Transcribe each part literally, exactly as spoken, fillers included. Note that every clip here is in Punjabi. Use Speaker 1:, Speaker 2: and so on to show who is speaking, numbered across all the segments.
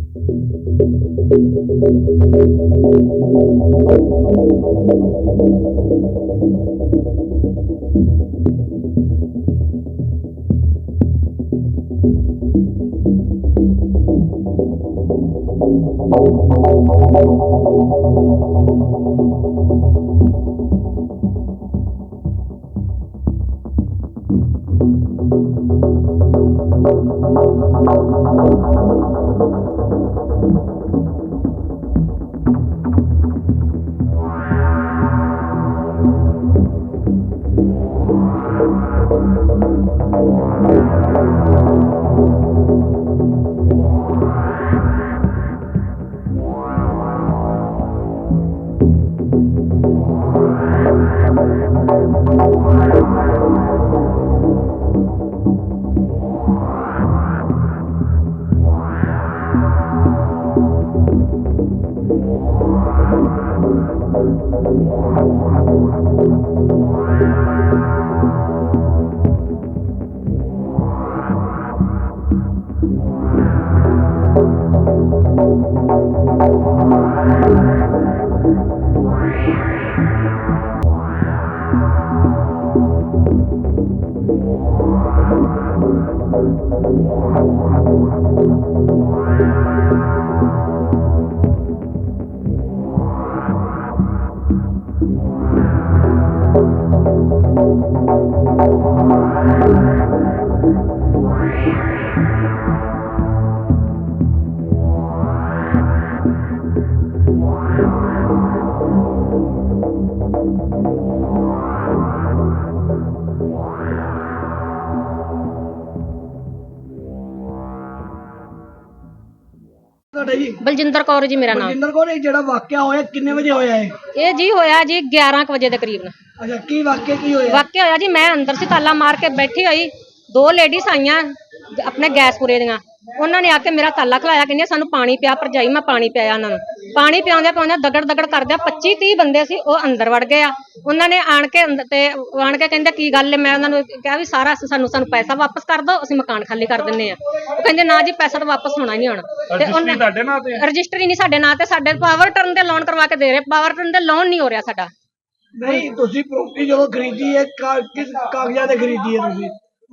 Speaker 1: बलजिंदर कौर जी मेरा नाम।
Speaker 2: बलजिंदर कौर, ਜਿਹੜਾ ਵਾਕਿਆ ਹੋਇਆ ਕਿੰਨੇ ਵਜੇ ਹੋਇਆ ਹੈ?
Speaker 1: ਇਹ ਜੀ ਹੋਇਆ ਜੀ ग्यारह ਵਜੇ ਦੇ ਕਰੀਬ।
Speaker 2: ਅੱਛਾ, ਕੀ ਵਾਕਿਆ ਕੀ ਹੋਇਆ?
Speaker 1: ਵਾਕਿਆ ਹੋਇਆ ਜੀ ਮੈਂ ਅੰਦਰ ਸੀ ਤਾਲਾ ਮਾਰ ਕੇ ਬੈਠੀ ਹੋਈ, ਦੋ ਲੇਡੀਜ਼ ਆਈਆਂ ਆਪਣੇ ਗੈਸਪੁਰੇ ਦੀਆਂ, ਉਹਨਾਂ ਨੇ ਆ ਕੇ ਮੇਰਾ ਤਾਲਾ ਖਲਾਇਆ, ਕਹਿੰਦੇ ਸਾਨੂੰ ਪਾਣੀ ਪਿਆ ਭਰਜਾਈ। ਮੈਂ ਪਾਣੀ ਪਿਆਇਆ ਉਹਨਾਂ ਨੂੰ, ਪਾਣੀ ਪਿਆਉਂਦੇ ਪਿਆਉਂਦੇ ਦਗੜ ਦਗੜ ਕਰਦੇ ਪੱਚੀ ਤੀਹ ਬੰਦੇ ਸੀ, ਉਹ ਅੰਦਰ ਵੜ ਗਏ ਆ। ਉਹਨਾਂ ਨੇ ਆਣ ਕੇ ਤੇ ਆਣ ਕੇ ਕਹਿੰਦੇ ਕੀ ਗੱਲ ਹੈ? ਮੈਂ ਉਹਨਾਂ ਨੂੰ ਕਿਹਾ ਵੀ ਸਾਰਾ ਸਾਨੂੰ ਸਾਨੂੰ ਪੈਸਾ ਵਾਪਸ ਕਰ ਦਿਓ, ਅਸੀਂ ਮਕਾਨ ਖਾਲੀ ਕਰ ਦਿੰਦੇ ਆ। ਉਹ ਕਹਿੰਦੇ ਨਾ ਜੀ ਪੈਸਾ ਤਾਂ ਵਾਪਸ ਹੋਣਾ ਨਹੀਂ ਹੋਣਾ। ਤੇ ਉਹਨਾਂ ਰਜਿਸਟਰੀ ਨਹੀਂ ਸਾਡੇ ਨਾਂ ਤੇ, ਸਾਡੇ ਪਾਵਰ ਟਰਨ ਦੇ ਲੋਨ ਕਰਵਾ ਕੇ ਦੇ ਰਹੇ, ਪਾਵਰ ਟਰਨ ਦੇ ਲੋਨ ਨਹੀਂ ਹੋ ਰਿਹਾ ਸਾਡਾ।
Speaker 2: ਨਹੀਂ, ਤੁਸੀਂ ਪ੍ਰੋਪਰਟੀ ਜਦੋਂ ਖਰੀਦੀ ਹੈ ਕਿਸ ਕਾਗਜ਼ਾਂ ਤੇ ਖਰੀਦੀ ਹੈ? ਤੁਸੀਂ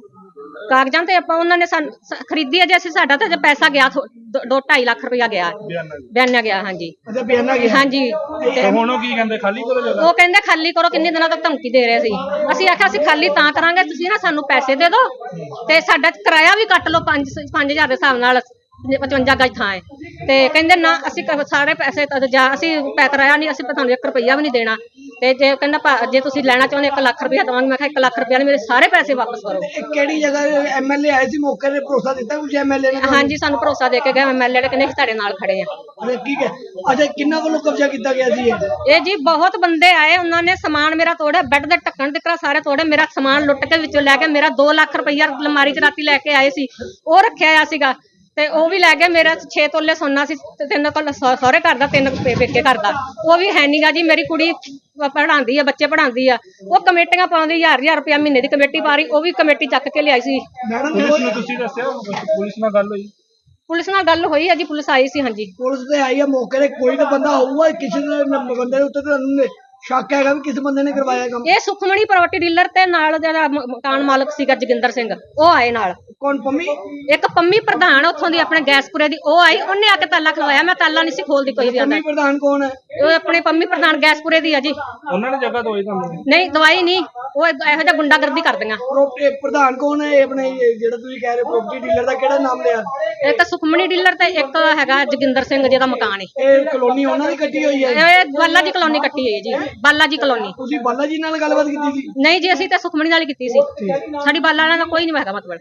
Speaker 1: ਕਾਗਜ਼ਾਂ ਤੇ ਆਪਾਂ ਉਹਨਾਂ ਨੇ ਖਰੀਦੀ ਹੈ ਜੀ, ਅਸੀਂ ਸਾਡਾ ਤਾਂ ਪੈਸਾ ਗਿਆ ਦੋ ਢਾਈ ਲੱਖ ਰੁਪਇਆ ਗਿਆ, ਬਿਆਨਾ ਗਿਆ। ਹਾਂਜੀ
Speaker 2: ਅੱਛਾ, ਬਿਆਨਾ ਗਿਆ।
Speaker 1: ਹਾਂਜੀ।
Speaker 3: ਹੁਣ ਉਹ ਕੀ ਕਹਿੰਦੇ? ਖਾਲੀ ਕਰੋ ਜਗ੍ਹਾ।
Speaker 1: ਉਹ ਕਹਿੰਦੇ ਖਾਲੀ ਕਰੋ, ਕਿੰਨੇ ਦਿਨਾਂ ਤੱਕ ਧਮਕੀ ਦੇ ਰਹੇ ਸੀ। ਅਸੀਂ ਆਖਿਆ ਅਸੀਂ ਖਾਲੀ ਤਾਂ ਕਰਾਂਗੇ ਤੁਸੀਂ ਨਾ ਸਾਨੂੰ ਪੈਸੇ ਦੇ ਦਿਓ ਤੇ ਸਾਡਾ ਕਿਰਾਇਆ ਵੀ ਕੱਟ ਲਓ ਪੰਜ ਪੰਜ ਹਜ਼ਾਰ ਦੇ ਹਿਸਾਬ ਨਾਲ, ਪਚਵੰਜਾ ਗਜ ਥਾਂ ਹੈ। ਤੇ ਕਹਿੰਦੇ ਨਾ ਅਸੀਂ ਸਾਰੇ ਪੈਸੇ ਜਾਂ ਅਸੀਂ ਪੈ ਕਰਾਇਆ ਨਹੀਂ, ਅਸੀਂ ਤੁਹਾਨੂੰ ਇੱਕ ਰੁਪਈਆ ਵੀ ਨਹੀਂ ਦੇਣਾ। ਤੇ ਜੇ ਕਹਿੰਦਾ ਜੇ ਤੁਸੀਂ ਲੈਣਾ ਚਾਹੁੰਦੇ ਇੱਕ ਲੱਖ ਰੁਪਇਆ ਦਵਾਂਗੇ। ਮੈਂ ਕਿਹਾ ਇੱਕ ਲੱਖ ਰੁਪਇਆ ਨਹੀਂ, ਮੇਰੇ ਸਾਰੇ ਪੈਸੇ ਵਾਪਸ ਕਰੋ।
Speaker 2: ਕਿਹੜੀ ਜਗ੍ਹਾ ਐਮਐਲਏ ਆਏ ਸੀ ਮੌਕੇ ਤੇ? ਭਰੋਸਾ ਦਿੱਤਾ ਕੁਝ ਐਮਐਲਏ ਨੇ?
Speaker 1: ਹਾਂਜੀ, ਸਾਨੂੰ ਭਰੋਸਾ ਦੇ ਕੇ ਗਏ ਐਮਐਲਏ ਨੇ, ਕਹਿੰਦੇ ਤੁਹਾਡੇ ਨਾਲ ਖੜੇ ਆ।
Speaker 2: ਠੀਕ ਹੈ। ਅੱਛਾ, ਕਿੰਨਾ ਵੱਲੋਂ ਕਬਜ਼ਾ ਕੀਤਾ ਗਿਆ ਸੀ ਇਹ?
Speaker 1: ਇਹ ਜੀ ਬਹੁਤ ਬੰਦੇ ਆਏ, ਉਹਨਾਂ ਨੇ ਸਮਾਨ ਮੇਰਾ ਤੋੜਿਆ, ਬੈੱਡ ਦੇ ਢੱਕਣ ਤੱਕ ਸਾਰੇ ਤੋੜੇ, ਮੇਰਾ ਸਮਾਨ ਲੁੱਟ ਕੇ ਵਿੱਚੋਂ ਲੈ ਕੇ ਮੇਰਾ ਦੋ ਲੱਖ ਰੁਪਈਆ ਅਲਮਾਰੀ ਚ ਰਾਤੀ ਲੈ ਕੇ ਆਏ ਸੀ, ਉਹ ਰੱਖਿਆ ਆ ਸੀਗਾ। ਤੇ ਉਹ ਵੀ ਲੈ ਗਏ। ਮੇਰਾ ਛੇ ਤੋਲੇ ਸੋਨਾ ਸੀ, ਤਿੰਨ ਕੋਲ ਸਹੁਰੇ ਘਰ ਦਾ, ਤਿੰਨ ਪੇਕੇ ਘਰ ਦਾ, ਉਹ ਵੀ ਹੈ ਨੀਗਾ ਜੀ। ਮੇਰੀ ਕੁੜੀ ਪੜ੍ਹਾਉਂਦੀ ਆ, ਬੱਚੇ ਪੜ੍ਹਾਉਂਦੀ ਆ, ਉਹ ਕਮੇਟੀਆਂ ਪਾਉਂਦੀ, ਹਜ਼ਾਰ ਹਜ਼ਾਰ ਰੁਪਇਆ ਮਹੀਨੇ ਦੀ ਕਮੇਟੀ ਪਾ ਰਹੀ, ਉਹ ਵੀ ਕਮੇਟੀ ਚੱਕ ਕੇ ਲਿਆਈ ਸੀ।
Speaker 3: ਪੁਲਿਸ ਨੂੰ ਤੁਸੀਂ ਦੱਸਿਆ? ਪੁਲਿਸ ਨਾਲ ਗੱਲ ਹੋਈ?
Speaker 1: ਪੁਲਿਸ ਨਾਲ ਗੱਲ ਹੋਈ ਹੈ ਜੀ, ਪੁਲਿਸ ਆਈ ਸੀ। ਹਾਂਜੀ,
Speaker 2: ਪੁਲਿਸ ਤੇ ਆਈ ਆ ਮੌਕੇ ਤੇ। ਕੋਈ ਤਾਂ ਬੰਦਾ ਹੋਊਗਾ, ਕਿਸੇ ਬੰਦੇ ਦੇ ਉੱਤੇ ਤੁਹਾਨੂੰ ਸ਼ੱਕ ਹੈਗਾ ਵੀ ਕਿਸ ਬੰਦੇ ਨੇ ਕਰਵਾਇਆ ਕੰਮ?
Speaker 1: ਇਹ ਸੁਖਮਣੀ ਪ੍ਰਾਪਰਟੀ ਡੀਲਰ ਤੇ ਨਾਲ ਜਿਹੜਾ ਮਕਾਨ ਮਾਲਕ ਸੀਗਾ ਜੋਗਿੰਦਰ ਸਿੰਘ, ਉਹ ਆਏ ਨਾਲ।
Speaker 2: ਕੌਣ? ਪੰਮੀ?
Speaker 1: ਇੱਕ ਪੰਮੀ ਪ੍ਰਧਾਨ ਉੱਥੋਂ ਦੀ ਆਪਣੇ ਗੈਸਪੁਰੇ ਦੀ, ਉਹ ਆਈ, ਉਹਨੇ ਆ ਕੇ ਤਾਲਾ ਖਲਵਾਇਆ। ਮੈਂ ਤਾਲਾ ਨਹੀਂ ਸੀ ਖੋਲਦੀ ਕੋਈ ਵੀ।
Speaker 2: ਪੰਮੀ ਪ੍ਰਧਾਨ ਕੌਣ ਹੈ?
Speaker 1: ਉਹ ਆਪਣੇ ਪੰਮੀ ਪ੍ਰਧਾਨ ਗੈਸਪੁਰੇ ਦੀ ਆ ਜੀ।
Speaker 3: ਉਹਨਾਂ ਨੇ ਜਗ੍ਹਾ ਦਵਾਈ ਤੁਹਾਨੂੰ?
Speaker 1: ਨਹੀਂ ਦਵਾਈ ਨਹੀਂ, ਉਹ ਇਹੋ ਜਿਹਾ ਗੁੰਡਾਗਰਦੀ ਕਰਦੀਆਂ।
Speaker 2: ਪ੍ਰਧਾਨ ਕੌਣ ਹੈ ਆਪਣੇ ਜਿਹੜਾ ਤੁਸੀਂ ਕਹਿ ਰਹੇ ਪ੍ਰਾਪਰਟੀ ਡੀਲਰ ਦਾ? ਕਿਹੜਾ ਨਾਮ ਲਿਆ?
Speaker 1: ਇੱਕ ਸੁਖਮਣੀ ਡੀਲਰ ਤੇ ਇੱਕ ਹੈਗਾ ਜੋਗਿੰਦਰ ਸਿੰਘ ਜਿਹਦਾ ਮਕਾਨ ਹੈ।
Speaker 2: ਇਹ ਕਲੋਨੀ ਉਹਨਾਂ ਦੀ ਕੱਟੀ ਹੋਈ ਹੈ?
Speaker 1: ਇਹ ਬਾਲਾ ਜੀ ਕਲੋਨੀ ਕੱਟੀ ਹੋਈ ਹੈ ਜੀ, ਬਾਲਾ ਜੀ ਕਲੋਨੀ।
Speaker 2: ਤੁਸੀਂ ਬਾਲਾ ਜੀ ਨਾਲ ਗੱਲਬਾਤ ਕੀਤੀ ਸੀ?
Speaker 1: ਨਹੀਂ ਜੀ, ਅਸੀਂ ਤਾਂ ਸੁਖਮਣੀ ਨਾਲ ਹੀ ਕੀਤੀ ਸੀ, ਸਾਡੀ ਬਾਲਾ ਨਾਲ ਕੋਈ ਨਹੀਂ ਹੈਗਾ ਮਤਲਬ।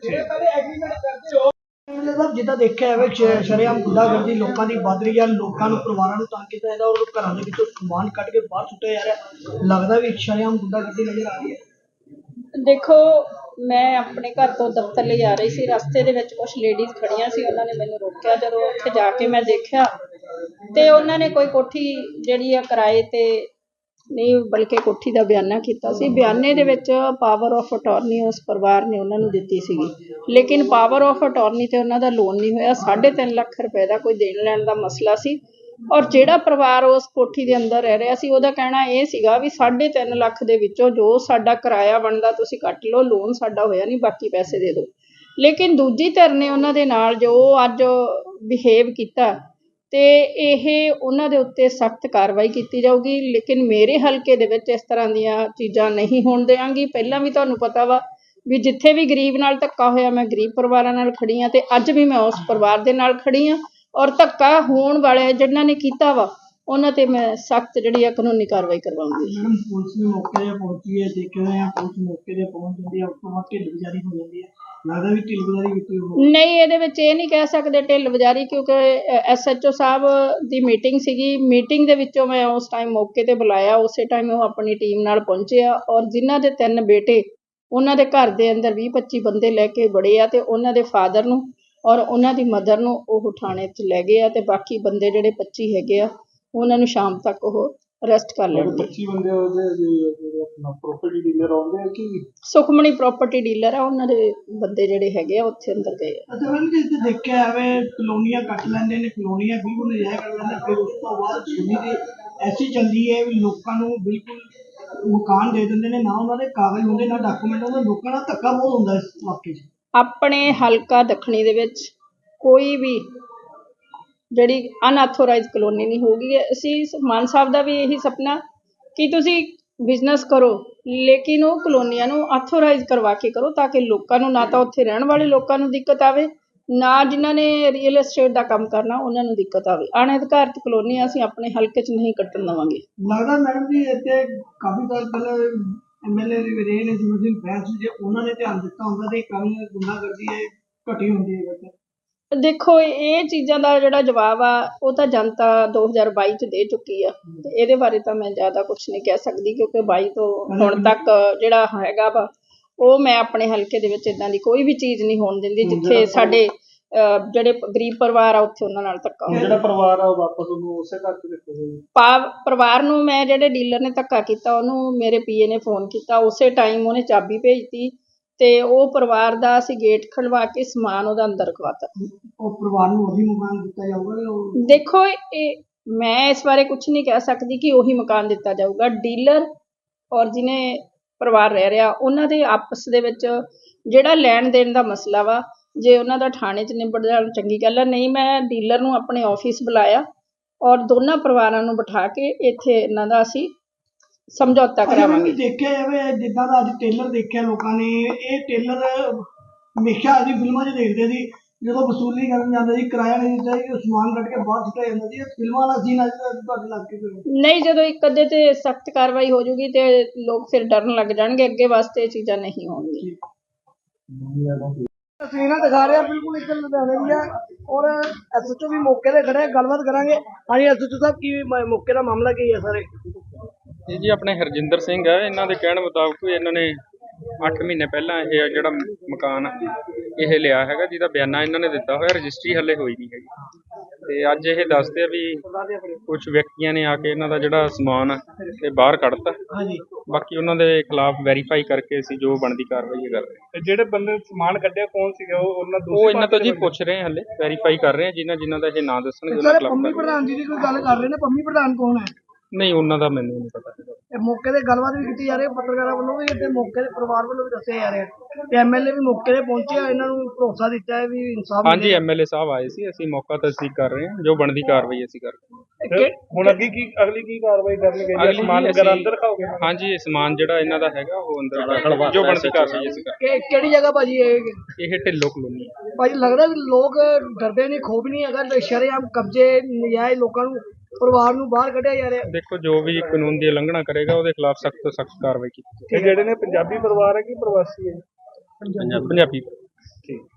Speaker 2: ਜਿੱਦਾਂ ਦੇਖਿਆ ਹੈ ਸ਼ਰੇਆਮ ਗੁੰਡਾਗਰਦੀ ਲੋਕਾਂ ਦੀ ਵੱਧ ਰਹੀ ਹੈ, ਲੋਕਾਂ ਨੂੰ ਪਰਿਵਾਰਾਂ ਨੂੰ ਤੰਗ ਕੀਤਾ ਜਾਂਦਾ, ਔਰ ਘਰਾਂ ਦੇ ਵਿੱਚੋਂ ਸਮਾਨ ਕੱਢ ਕੇ ਬਾਹਰ ਸੁੱਟਿਆ ਜਾ ਰਿਹਾ। ਲੱਗਦਾ ਵੀ ਸ਼ਰੇਆਮ ਗੁੰਡਾਗਰਦੀ ਨਜ਼ਰ ਆ ਰਹੀ ਹੈ।
Speaker 4: ਦੇਖੋ, ਮੈਂ ਆਪਣੇ ਘਰ ਤੋਂ ਦਫ਼ਤਰ ਲਈ ਆ ਰਹੀ ਸੀ, ਰਸਤੇ ਦੇ ਵਿੱਚ ਕੁਝ ਲੇਡੀਜ਼ ਖੜੀਆਂ ਸੀ, ਉਹਨਾਂ ਨੇ ਮੈਨੂੰ ਰੋਕਿਆ। ਜਦੋਂ ਉੱਥੇ ਜਾ ਕੇ ਮੈਂ ਦੇਖਿਆ ਤੇ ਉਹਨਾਂ ਨੇ ਕੋਈ ਕੋਠੀ ਜਿਹੜੀ ਆ ਕਿਰਾਏ ਤੇ ਨਹੀਂ ਬਲਕਿ ਕੋਠੀ ਦਾ ਬਿਆਨਾ ਕੀਤਾ ਸੀ। ਬਿਆਨੇ ਦੇ ਵਿੱਚ ਪਾਵਰ ਆਫ ਅਟਾਰਨੀ ਉਸ ਪਰਿਵਾਰ ਨੇ ਉਹਨਾਂ ਨੂੰ ਦਿੱਤੀ ਸੀਗੀ, ਲੇਕਿਨ ਪਾਵਰ ਆਫ ਅਟਾਰਨੀ ਤੇ ਉਹਨਾਂ ਦਾ ਲੋਨ ਨਹੀਂ ਹੋਇਆ। ਸਾਢੇ ਤਿੰਨ ਲੱਖ ਰੁਪਏ ਦਾ ਕੋਈ ਦੇਣ ਲੈਣ ਦਾ ਮਸਲਾ ਸੀ, ਔਰ ਜਿਹੜਾ ਪਰਿਵਾਰ ਉਸ ਕੋਠੀ ਦੇ ਅੰਦਰ ਰਹਿ ਰਿਹਾ ਸੀ ਉਹਦਾ ਕਹਿਣਾ ਇਹ ਸੀਗਾ ਵੀ ਸਾਢੇ ਤਿੰਨ ਲੱਖ ਦੇ ਵਿੱਚੋਂ ਜੋ ਸਾਡਾ ਕਿਰਾਇਆ ਬਣਦਾ ਤੁਸੀਂ ਕੱਟ ਲਓ, ਲੋਨ ਸਾਡਾ ਹੋਇਆ ਨਹੀਂ, ਬਾਕੀ ਪੈਸੇ ਦੇ ਦਿਓ। ਲੇਕਿਨ ਦੂਜੀ ਧਿਰ ਨੇ ਉਹਨਾਂ ਦੇ ਨਾਲ ਜੋ ਅੱਜ ਬਿਹੇਵ ਕੀਤਾ ਤੇ ਇਹ ਉਹਨਾਂ ਦੇ ਉੱਤੇ ਸਖਤ ਕਾਰਵਾਈ ਕੀਤੀ ਜਾਊਗੀ। ਲੇਕਿਨ ਮੇਰੇ ਹਲਕੇ ਦੇ ਵਿੱਚ ਇਸ ਤਰ੍ਹਾਂ ਦੀਆਂ ਚੀਜ਼ਾਂ ਨਹੀਂ ਹੋਣ ਦਿਆਂਗੀ। ਪਹਿਲਾਂ ਵੀ ਤੁਹਾਨੂੰ ਪਤਾ ਵਾ ਵੀ ਜਿੱਥੇ ਵੀ ਗਰੀਬ ਨਾਲ ਧੱਕਾ ਹੋਇਆ ਮੈਂ ਗਰੀਬ ਪਰਿਵਾਰਾਂ ਨਾਲ ਖੜੀ ਹਾਂ ਤੇ ਅੱਜ ਵੀ ਮੈਂ ਉਸ ਪਰਿਵਾਰ ਦੇ ਨਾਲ ਖੜੀ ਹਾਂ, ਔਰ ਧੱਕਾ ਹੋਣ ਵਾਲੇ ਜਿਨ੍ਹਾਂ ਨੇ ਕੀਤਾ ਵਾ ਉਹਨਾਂ ਤੇ ਮੈਂ ਸਖਤ ਜਿਹੜੀ ਆ ਕਾਨੂੰਨੀ ਕਾਰਵਾਈ ਕਰਵਾਉਂਗੀ।
Speaker 2: ਮੈਡਮ ਪੁਲਿਸ ਵੀ ਮੌਕੇ 'ਤੇ ਪਹੁੰਚੀ ਹੈ, ਦੇਖਿਆ ਹੋਇਆ ਪੁਲਿਸ ਮੌਕੇ 'ਤੇ ਪਹੁੰਚ ਜਾਂਦੀ ਹੈ, ਉਸ ਤੋਂ ਬਾਅਦ ਢਿੱਲ ਗੁਜ਼ਾਰੀ ਹੋ ਜਾਂਦੀ ਹੈ, ਲੱਗਦਾ ਵੀ ਢਿੱਲ ਗੁਜ਼ਾਰੀ ਕੀਤੀ ਹੋਈ।
Speaker 4: ਨਹੀਂ, ਇਹਦੇ ਵਿੱਚ ਇਹ ਨਹੀਂ ਕਹਿ ਸਕਦੇ ਢਿੱਲ ਵਜਾਰੀ, ਕਿਉਂਕਿ ਐਸ ਐਚ ਓ ਸਾਹਿਬ ਦੀ ਮੀਟਿੰਗ ਸੀਗੀ। ਮੀਟਿੰਗ ਦੇ ਵਿੱਚੋਂ ਮੈਂ ਉਸ ਟਾਈਮ ਮੌਕੇ 'ਤੇ ਬੁਲਾਇਆ, ਉਸੇ ਟਾਈਮ ਉਹ ਆਪਣੀ ਟੀਮ ਨਾਲ ਪਹੁੰਚੇ ਆ, ਔਰ ਜਿਨ੍ਹਾਂ ਦੇ ਤਿੰਨ ਬੇਟੇ ਉਹਨਾਂ ਦੇ ਘਰ ਦੇ ਅੰਦਰ ਵੀਹ ਪੱਚੀ ਬੰਦੇ ਲੈ ਕੇ ਬੜੇ ਆ ਤੇ ਉਹਨਾਂ ਦੇ ਫਾਦਰ ਨੂੰ ਔਰ ਉਹਨਾਂ ਦੀ ਮਦਰ ਨੂੰ ਉਹ ਥਾਣੇ 'ਚ ਲੈ ਗਏ ਆ ਤੇ ਬਾਕੀ ਬੰਦੇ ਜਿਹੜੇ ਪੱਚੀ ਹੈਗੇ ਆ ਉਹਨਾਂ ਨੂੰ ਸ਼ਾਮ ਤੱਕ ਉਹ ਅਰੈਸਟ ਕਰ ਲੈਣਗੇ।
Speaker 3: ਪੱਚੀ ਬੰਦੇ ਉਹਦੇ ਆਪਣਾ ਪ੍ਰੋਪਰਟੀ ਡੀਲਰ ਆਉਂਦੇ ਆ ਕਿ
Speaker 4: ਸੁਖਮਣੀ ਪ੍ਰਾਪਰਟੀ ਡੀਲਰ ਆ, ਉਹਨਾਂ ਦੇ ਬੰਦੇ ਜਿਹੜੇ ਹੈਗੇ ਆ ਉੱਥੇ ਅੰਦਰ ਗਏ ਆ।
Speaker 2: ਅੱਛਾ ਮੈਮ ਜੀ, ਇੱਥੇ ਦੇਖਿਆ ਜਾਵੇ ਕਲੋਨੀਆਂ ਕੱਟ ਲੈਂਦੇ ਨੇ, ਕਲੋਨੀਆਂ ਬਿਲਕੁਲ ਨਜਾਇਜ਼ ਕਰ ਲੈਂਦੇ, ਫਿਰ ਉਸ ਤੋਂ ਬਾਅਦ ਸੁਣੀ ਦੀ ਐਸੀ ਚੱਲਦੀ ਹੈ ਵੀ ਲੋਕਾਂ ਨੂੰ ਬਿਲਕੁਲ ਮਕਾਨ ਦੇ ਦਿੰਦੇ ਨੇ, ਨਾ ਉਹਨਾਂ ਦੇ ਕਾਗਜ਼ ਹੁੰਦੇ ਨਾ ਡਾਕੂਮੈਂਟ ਹੁੰਦੇ। ਲੋਕਾਂ ਨਾਲ ਧੱਕਾ ਬਹੁਤ ਹੁੰਦਾ ਇਸ ਵਾਕਈ 'ਚ।
Speaker 4: ਆਪਣੇ ਹਲਕਾ ਦੱਖਣੀ ਦੇ ਵਿੱਚ ਕੋਈ ਵੀ ਜਿਹੜੀ ਅਨਆਥੋਰਾਈਜ਼ ਕਲੋਨੀ ਨਹੀਂ ਹੋਊਗੀ। ਅਸੀਂ ਮਾਨ ਸਾਹਿਬ ਦਾ ਵੀ ਇਹੀ ਸੁਪਨਾ ਕਿ ਤੁਸੀਂ ਬਿਜ਼ਨਸ ਕਰੋ, ਲੇਕਿਨ ਉਹ ਕਲੋਨੀਆਂ ਨੂੰ ਆਥੋਰਾਈਜ਼ ਕਰਵਾ ਕੇ ਕਰੋ ਤਾਂ ਕਿ ਲੋਕਾਂ ਨੂੰ, ਨਾ ਤਾਂ ਉੱਥੇ ਰਹਿਣ ਵਾਲੇ ਲੋਕਾਂ ਨੂੰ ਦਿੱਕਤ ਆਵੇ, ਨਾ ਜਿਨ੍ਹਾਂ ਨੇ ਰੀਅਲ ਐਸਟੇਟ ਦਾ ਕੰਮ ਕਰਨਾ ਉਹਨਾਂ ਨੂੰ ਦਿੱਕਤ ਆਵੇ। ਅਣਅਧਿਕਾਰਤ ਕਲੋਨੀਆਂ ਅਸੀਂ ਆਪਣੇ ਹਲਕੇ 'ਚ ਨਹੀਂ ਕੱਟਣ ਦੇਵਾਂਗੇ।
Speaker 2: ਲੱਗਦਾ ਮੈਡਮ ਜੀ ਇੱਥੇ ਕਾਫੀ ਸਾਲ ਪਹਿਲਾਂ ਐਮ ਐਲ ਏ ਰਹੇ ਨੇ ਜਿਵੇਂ ਸਿੰਘ ਬੈਂਸ, ਜੇ ਉਹਨਾਂ ਨੇ ਧਿਆਨ ਦਿੱਤਾ ਹੁੰਦਾ ਤੇ ਕੰਮ ਗੁੰਡਾਗਰਦੀ ਹੈ ਘਟੀ ਹੁੰਦੀ ਹੈ।
Speaker 4: ਦੇਖੋ, ਇਹ ਚੀਜ਼ਾਂ ਦਾ ਜਿਹੜਾ ਜਵਾਬ ਆ ਉਹ ਤਾਂ ਜਨਤਾ ਦੋ ਹਜ਼ਾਰ ਬਾਈ 'ਚ ਦੇ ਚੁੱਕੀ ਆ ਤੇ ਇਹਦੇ ਬਾਰੇ ਤਾਂ ਮੈਂ ਜ਼ਿਆਦਾ ਕੁਛ ਨਹੀਂ ਕਹਿ ਸਕਦੀ, ਕਿਉਂਕਿ ਬਾਈ ਤੋਂ ਹੁਣ ਤੱਕ ਜਿਹੜਾ ਹੈਗਾ ਵਾ ਉਹ ਮੈਂ ਆਪਣੇ ਹਲਕੇ ਦੇ ਵਿੱਚ ਇੱਦਾਂ ਦੀ ਕੋਈ ਵੀ ਚੀਜ਼ ਨਹੀਂ ਹੋਣ ਦਿੰਦੀ ਜਿੱਥੇ ਸਾਡੇ ਜਿਹੜੇ ਗਰੀਬ ਪਰਿਵਾਰ ਆ ਉੱਥੇ ਉਹਨਾਂ ਨਾਲ ਧੱਕਾ ਹੋਵੇ।
Speaker 3: ਜਿਹੜਾ ਪਰਿਵਾਰ ਆ ਉਹ ਵਾਪਸ ਉਹਨੂੰ ਉਸੇ ਘਰ 'ਚ ਦਿੱਤੇ ਜਾਵੇ।
Speaker 4: ਪਾ ਪਰਿਵਾਰ ਨੂੰ ਮੈਂ ਜਿਹੜੇ ਡੀਲਰ ਨੇ ਧੱਕਾ ਕੀਤਾ ਉਹਨੂੰ ਮੇਰੇ ਪੀਏ ਨੇ ਫੋਨ ਕੀਤਾ, ਉਸੇ ਟਾਈਮ ਉਹਨੇ ਚਾਬੀ ਭੇਜਤੀ ਤੇ ਉਹ ਪਰਿਵਾਰ ਦਾ ਅਸੀਂ ਗੇਟ ਖੜਵਾ ਕੇ ਸਮਾਨ ਉਹਦਾ ਅੰਦਰ ਰਖਵਾਤਾ।
Speaker 2: ਉਹ ਪਰਿਵਾਰ ਨੂੰ ਉਹੀ ਮਕਾਨ ਦਿੱਤਾ ਜਾਊਗਾ।
Speaker 4: ਦੇਖੋ, ਇਹ ਮੈਂ ਇਸ ਬਾਰੇ ਕੁਝ ਨਹੀਂ ਕਹਿ ਸਕਦੀ ਕਿ ਉਹੀ ਮਕਾਨ ਦਿੱਤਾ ਜਾਊਗਾ। ਡੀਲਰ ਔਰ ਜਿਹਨੇ ਪਰਿਵਾਰ ਰਹਿ ਰਿਹਾ ਉਹਨਾਂ ਦੇ ਆਪਸ ਦੇ ਵਿੱਚ ਜਿਹੜਾ ਲੈਣ ਦੇਣ ਦਾ ਮਸਲਾ ਵਾ, ਜੇ ਉਹਨਾਂ ਦਾ ਥਾਣੇ 'ਚ ਨਿਬੜ ਜਾਣ ਚੰਗੀ ਗੱਲ ਹੈ, ਨਹੀਂ ਮੈਂ ਡੀਲਰ ਨੂੰ ਆਪਣੇ ਆਫਿਸ ਬੁਲਾਇਆ ਔਰ ਦੋਨਾਂ ਪਰਿਵਾਰਾਂ ਨੂੰ ਬਿਠਾ ਕੇ ਇੱਥੇ ਇਹਨਾਂ ਦਾ ਅਸੀਂ ਸਮਝੌਤਾ ਕਰਾਵਾਂਗੇ।
Speaker 2: ਦੇਖਿਆ ਜਾਵੇ ਜਿੱਦਾਂ ਦਾ ਅੱਜ ਟੇਲਰ ਦੇਖਿਆ ਲੋਕਾਂ ਨੇ, ਇਹ ਟੇਲਰ ਹਮੇਸ਼ਾ ਅਸੀਂ ਫਿਲਮਾਂ 'ਚ ਦੇਖਦੇ ਸੀ, ਜਦੋਂ ਵਸੂਲੀ ਕਰਨ ਜਾਂਦੇ ਸੀ ਕਿਰਾਇਆ ਨਹੀਂ ਦਿੰਦਾ ਸੀ, ਸਮਾਨ ਕੱਢ ਕੇ ਬਾਹਰ ਸੁੱਟਿਆ ਜਾਂਦਾ ਸੀ। ਫਿਲਮਾਂ ਦਾ ਸੀਨ ਅੱਜ ਤੁਹਾਡੇ ਲੱਗ ਕੇ
Speaker 4: ਨਹੀਂ, ਜਦੋਂ ਇੱਕ ਅੱਧੇ ਤੇ ਸਖਤ ਕਾਰਵਾਈ ਹੋ ਜੂਗੀ ਤੇ ਲੋਕ ਫਿਰ ਡਰਨ ਲੱਗ ਜਾਣਗੇ, ਅੱਗੇ ਵਾਸਤੇ ਇਹ ਚੀਜ਼ਾਂ ਨਹੀਂ ਹੋਣਗੀਆਂ।
Speaker 2: ਤਸਵੀਰਾਂ ਦਿਖਾ ਰਿਹਾ ਬਿਲਕੁਲ ਇੱਕ ਲੁਧਿਆਣੇ ਦੀ ਹੈ ਔਰ ਐਸ ਐਚ ਓ ਵੀ ਮੌਕੇ ਤੇ ਖੜੇ, ਗੱਲਬਾਤ ਕਰਾਂਗੇ। ਹਾਂਜੀ ਐਸ ਐਚ ਓ ਸਾਹਿਬ, ਕੀ ਮੌਕੇ ਦਾ ਮਾਮਲਾ ਕੀ ਹੈ ਸਾਰੇ?
Speaker 5: ਇਹ ਜੀ ਆਪਣੇ ਹਰਜਿੰਦਰ ਸਿੰਘ ਹੈ, ਇਹਨਾਂ ਦੇ ਕਹਿਣ ਮੁਤਾਬਕ ਇਹਨਾਂ ਨੇ ਅੱਠ ਮਹੀਨੇ ਪਹਿਲਾਂ ਇਹ ਜਿਹੜਾ ਮਕਾਨ ਇਹ ਲਿਆ ਹੈਗਾ, ਜਿਹਦਾ ਬਿਆਨਾ ਇਹਨਾਂ ਨੇ ਦਿੱਤਾ ਹੋਇਆ, ਰਜਿਸਟਰੀ ਹਲੇ ਹੋਈ ਨਹੀਂ ਹੈਗੀ। ਤੇ ਅੱਜ ਇਹ ਦੱਸਦੇ ਆ ਵੀ ਕੁਝ ਵਿਅਕਤੀਆਂ ਨੇ ਆ ਕੇ ਇਹਨਾਂ ਦਾ ਜਿਹੜਾ ਸਮਾਨ ਇਹ ਬਾਹਰ ਕੱਢਤਾ। ਬਾਕੀ ਉਹਨਾਂ ਦੇ ਖਿਲਾਫ ਵੈਰੀਫਾਈ ਕਰਕੇ ਅਸੀਂ ਜੋ ਬਣਦੀ ਕਾਰਵਾਈ ਕਰਦੇ ਹਾਂ।
Speaker 3: ਤੇ ਜਿਹੜੇ ਬੰਦੇ ਸਮਾਨ ਕੱਢਿਆ ਕੌਣ ਸੀਗਾ? ਉਹ ਉਹਨਾਂ
Speaker 5: ਉਹ ਇਹਨਾਂ ਤੋਂ ਜੀ ਪੁੱਛ ਰਹੇ ਹਾਂ, ਹਲੇ ਵੈਰੀਫਾਈ ਕਰ ਰਹੇ ਹਾਂ, ਜਿਨ੍ਹਾਂ ਜਿਨ੍ਹਾਂ ਦਾ ਇਹ ਨਾਂ ਦੱਸਣਗੇ ਉਹਨਾਂ ਖਿਲਾਫ।
Speaker 2: ਪੰਮੀ ਪ੍ਰਧਾਨ ਜੀ ਦੀ ਕੋਈ ਗੱਲ ਕਰ ਰਹੇ ਨੇ, ਪੰਮੀ ਪ੍ਰਧਾਨ ਕੌਣ ਹੈ?
Speaker 5: ਨਹੀਂ, ਉਹਨਾਂ ਦਾ ਮੈਨੂੰ ਨਹੀਂ ਪਤਾ।
Speaker 2: ਇਹ ਮੌਕੇ ਤੇ ਗੱਲਬਾਤ ਵੀ ਕੀਤੀ ਜਾ ਰਹੀ ਹੈ, ਪੱਤਰਕਾਰਾਂ ਵੱਲੋਂ ਵੀ ਤੇ ਮੌਕੇ ਦੇ ਪਰਿਵਾਰ ਵੱਲੋਂ ਵੀ ਦੱਸਿਆ ਜਾ ਰਿਹਾ ਤੇ ਐਮ ਐਲ ਏ ਵੀ ਮੌਕੇ ਤੇ ਪਹੁੰਚੇ ਆ, ਇਹਨਾਂ ਨੂੰ ਭਰੋਸਾ ਦਿੱਤਾ ਹੈ ਵੀ ਇਨਸਾਫ।
Speaker 5: ਹਾਂਜੀ, ਐਮ ਐਲ ਏ ਸਾਹਿਬ ਆਏ ਸੀ, ਅਸੀਂ ਮੌਕਾ ਤਸਦੀਕ ਕਰ ਰਹੇ ਹਾਂ, ਜੋ ਬਣਦੀ ਕਾਰਵਾਈ ਅਸੀਂ ਕਰ ਰਹੇ ਹਾਂ।
Speaker 3: ਹੁਣ ਅੱਗੇ ਕੀ ਅਗਲੀ ਕੀ ਕਾਰਵਾਈ ਕਰਨਗੇ? ਸਮਾਨ ਵਗੈਰਾ ਅੰਦਰ ਰਖਾਓਗੇ?
Speaker 5: ਹਾਂਜੀ, ਇਹ ਸਮਾਨ ਜਿਹੜਾ ਇਹਨਾਂ ਦਾ ਹੈਗਾ ਉਹ ਅੰਦਰ ਜੋ ਬਣਦੀ ਕਾਰਵਾਈ ਅਸੀਂ ਕਰ
Speaker 2: ਕਿ ਕਿਹੜੀ ਜਗ੍ਹਾ ਭਾਜੀ ਇਹ?
Speaker 5: ਇਹ ਢਿੱਲੋਂ ਕਲੋਨੀ।
Speaker 2: ਭਾਜੀ ਲੱਗਦਾ ਵੀ ਲੋਕ ਡਰਦੇ ਨਹੀਂ, ਖੋਫ ਨਹੀਂ ਹੈਗਾ, ਸ਼ਰੇਆਮ ਕਬਜ਼ੇ ਨਜਾਇਜ਼ ਲੋਕਾਂ ਨੂੰ, ਪਰਿਵਾਰ ਨੂੰ ਬਾਹਰ ਕੱਢਿਆ ਜਾ ਰਿਹਾ।
Speaker 5: ਦੇਖੋ, ਜੋ ਵੀ ਕਾਨੂੰਨ ਦੀ ਉਲੰਘਣਾ ਕਰੇਗਾ ਉਹਦੇ ਖਿਲਾਫ ਸਖਤ ਤੋਂ ਸਖਤ ਕਾਰਵਾਈ ਕੀਤੀ।
Speaker 3: ਜਿਹੜੇ ਨੇ ਪੰਜਾਬੀ ਪਰਿਵਾਰ ਹੈ ਕਿ ਪ੍ਰਵਾਸੀ ਹੈ?
Speaker 5: ਪੰਜਾਬੀ।
Speaker 3: ਠੀਕ।